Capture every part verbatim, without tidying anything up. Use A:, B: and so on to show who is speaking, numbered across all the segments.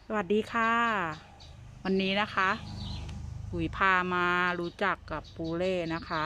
A: สวัสดีค่ะวันนี้นะคะปุ๋ยพามารู้จักกับปูเล่นะคะ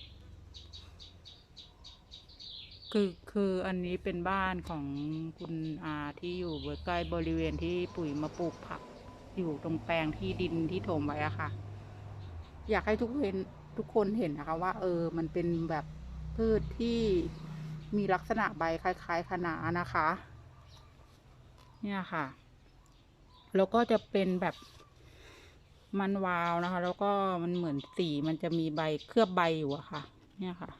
A: คือคืออันนี้เป็นบ้านของคุณอาที่อยู่ใกล้บริเวณที่ปุ๋ยมาปลูกผักอยู่ตรงแปลงที่ดินที่ถมไว้อะค่ะอยากให้ทุกเห็นทุกคนเห็นนะคะว่าเออมันเป็นแบบพืชที่มีลักษณะใบคล้ายๆคะน้านะคะเนี่ยค่ะแล้วก็จะเป็นแบบมันวาวนะคะแล้วก็มันเหมือนสีมันจะมีใบเคลือบใบอยู่อะค่ะเนี่ยค่ะ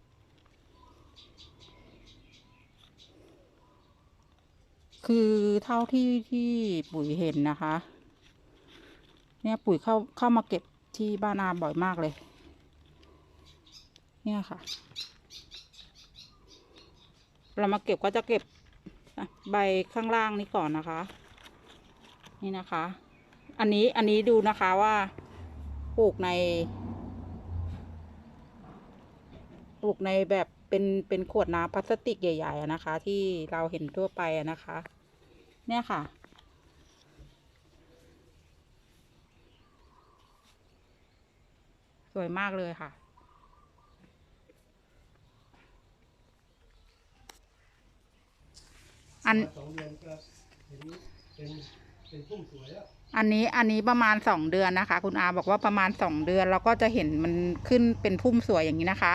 A: คือเท่าที่ที่ปุ๋ยเห็นนะคะเนี่ยปุ๋ยเข้าเข้ามาเก็บที่บ้านอาบ่อยมากเลยเนี่ยค่ะเรามาเก็บก็จะเก็บใบข้างล่างนี้ก่อนนะคะนี่นะคะอันนี้อันนี้ดูนะคะว่าปลูกในปลูกในแบบเป็นเป็นขวดน้ำพลาสติกใหญ่ๆนะคะ ที่เราเห็นทั่วไปนะคะ เนี่ยค่ะสวยมากเลยค่ะอันสองเดือนก็เห็นเป็นเป็นพุ่มสวยแล้วอันนี้อันนี้ประมาณสองเดือนนะคะคุณอาบอกว่าประมาณสองเดือนเราก็จะเห็นมันขึ้นเป็นพุ่มสวยอย่างนี้นะคะ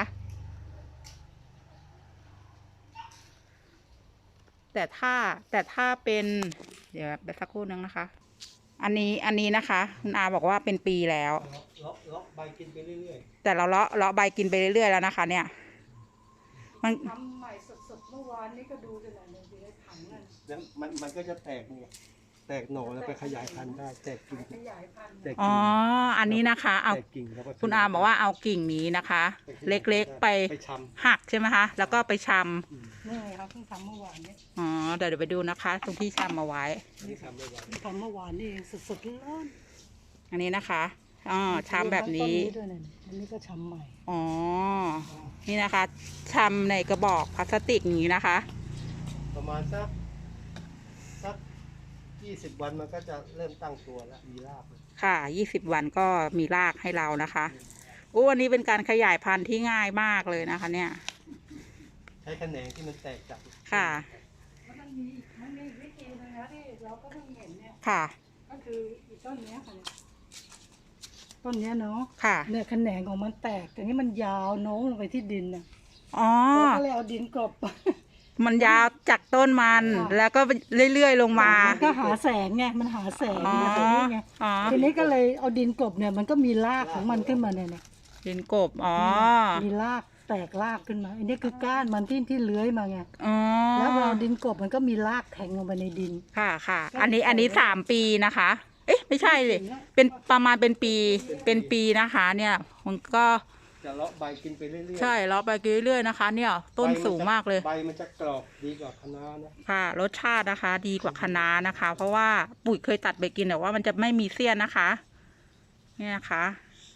A: แต่ถ้าแต่ถ้าเป็นเดี๋ยวไปสักครู่นึงนะคะอันนี้อันนี้นะคะคุณอาบอกว่าเป็นปีแล้วเลาะเลาะใบกินไปเรื่อยๆแต่เราเลาะเลาะใบกินไปเรื่อยๆแล้วนะคะเนี่ยมันทำใหม่สดๆเมื่อวานนี้ก็ดูกันหน่อยหนึ่งอยู่ในถังนั่นแล้วมันมันก็จะแตกเนี่ยแตกหน่อแล้วไปขยายพันธุ์ได้แตกกิ่งขยายพันธุ์แตกกิ่งอ๋ออันนี้นะคะเอาคุณอาบอกว่าเอากิ่งนี้นะคะเล็กๆไปหักใช่ไหมคะแล้วก็ไปชำนี่เขาเพิ่งทำเมื่อวานนี้อ๋อเดี๋ยวเดี๋ยวไปดูนะคะตรงที่ชำมาไว้นี่ทำเมื่อวานทำเมื่อวานนี่สดๆร้อนอันนี้นะคะอ๋อชำแบบนี้อันนี้ก็ชำใหม่อ๋อนี่นะคะชำในกระบอกพลาสติกอย่างนี้นะคะประมาณสักสักยี่สิบวันมันก็จะเริ่มตั้งตัวแล้วมีรากค่ะยี่สิบวันก็มีรากให้เรานะคะโอ้อันนี้เป็นการขยายพันธุ์ที่ง่ายมากเลยนะคะเนี่ยใช้แขนงที่มันแตกจากค่ะมันมีมันมีวิธีนึงนะที่เราก็เพิ่งเห็นเนี่ยค่ะก็คืออีกต้นนี้ค่ะต้นนี้เนาะค่ะเนี่ยแขนงของมันแตกแต่นี่มันยาวโน้มลงไปที่ดินน่ะอ๋อเราก็เลยเอาดินกลบมันยาวจากต้นมันแล้วก็เรื่อยๆลงมามันก็หาแสงไงมันหาแสงมาตรงนี้ไงทีนี้ก็เลยเอาดินกลบเนี่ยมันก็มีรากของมันขึ้นมาเนี่ยดินกลบอ๋อมีรากแตกรากขึ้นมาอันนี้คือก้านมันที่ที่เลื้อยมาไงแล้วเราดินกลบมันก็มีรากแทงลงไปในดินค่ะค่ะอันนี้อันนี้สามปีนะคะเอ๊ะไม่ใช่เลยเป็นประมาณเป็นปีเป็นปีนะคะเนี่ยมันก็จะเลาะใบกินไปเรื่อยๆใช่เลาะใบกินเรื่อยๆนะคะเนี่ยต้นสูงมากเลยใบมันจะกรอบดีกว่าคะน้านะค่ะรสชาตินะคะดีกว่าคะน้านะคะ เพราะว่าปุ๋ยเคยตัดไปกินแต่ว่ามันจะไม่มีเสี้ยนนะคะเนี่ยนะคะ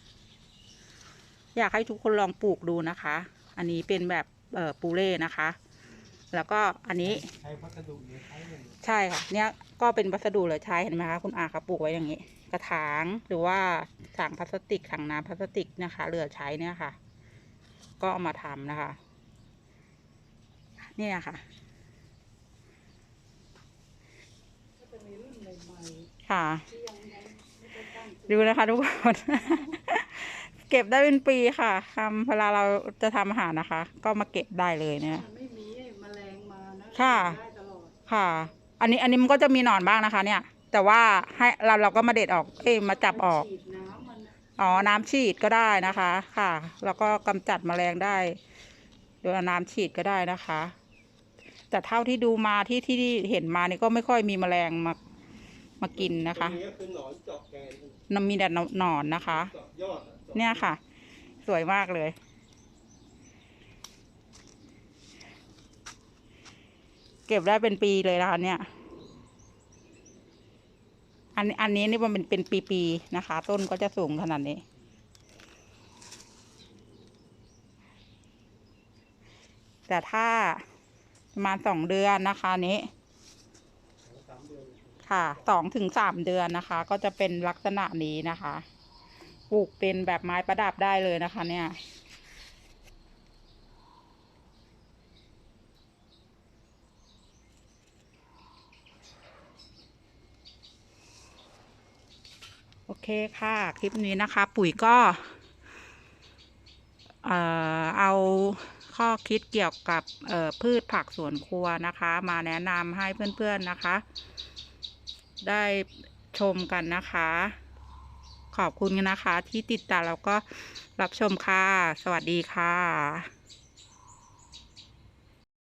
A: อยากให้ทุกคนลองปลูกดูนะคะ อันนี้เป็นแบบเอ่อปูเล่นะคะแล้วก็อันนี้ใช้วัสดุเหลือใช้เลยใช่ค่ะเนี่ยก็เป็นวัสดุเหลือใช้เห็นไหมคะคุณอาครับปลูกไว้อย่างนี้กระถางหรือว่าถังพลาสติกถังน้ำพลาสติกนะคะเหลือใช้เนี่ยค่ะก็เอามาทำนะคะเนี่ยค่ะค่ะดูนะคะทุกคนเก็บได้เป็นปีค่ะทำเวลาเราจะทำอาหารนะคะ ก็มาเก็บได้เลยเนี่ยไม่มีแมลงมานะค่ะค่ะอันนี้อันนี้มันก็จะมีหนอนบ้างนะคะเนี่ยแต่ว่าให้เราเราก็มาเด็ดออกเอ้มาจับออกอ๋อน้ำฉีดก็ได้นะคะค่ะแล้วก็กำจัดแมลงได้โดยเอาน้ำฉีดก็ได้นะคะแต่เท่าที่ดูมาที่ที่เห็นมานี่ก็ไม่ค่อยมีแมลงมามากินนะคะมันมีแต่หนอนนะคะเนี่ยค่ะสวยมากเลยเก็บได้เป็นปีเลยนะคะเนี่ยอันอันนี้นี่มันเป็นเป็นปีๆนะคะต้นก็จะสูงขนาดนี้แต่ถ้าประมาณสองเดือนนะคะนี้ค่ะสองถึงสามเดือนนะคะ ก็จะเป็นลักษณะนี้นะคะปลูกเป็นแบบไม้ประดับได้เลยนะคะเนี่ยโอเคค่ะคลิปนี้นะคะ ปุ๋ยก็ เอ่อเอาข้อคิดเกี่ยวกับเอ่อพืชผักสวนครัวนะคะ มาแนะนำให้เพื่อนๆนะคะ ได้ชมกันนะคะ ขอบคุณนะคะที่ติดตามแล้วก็รับชมค่ะ สวัสดีค่ะ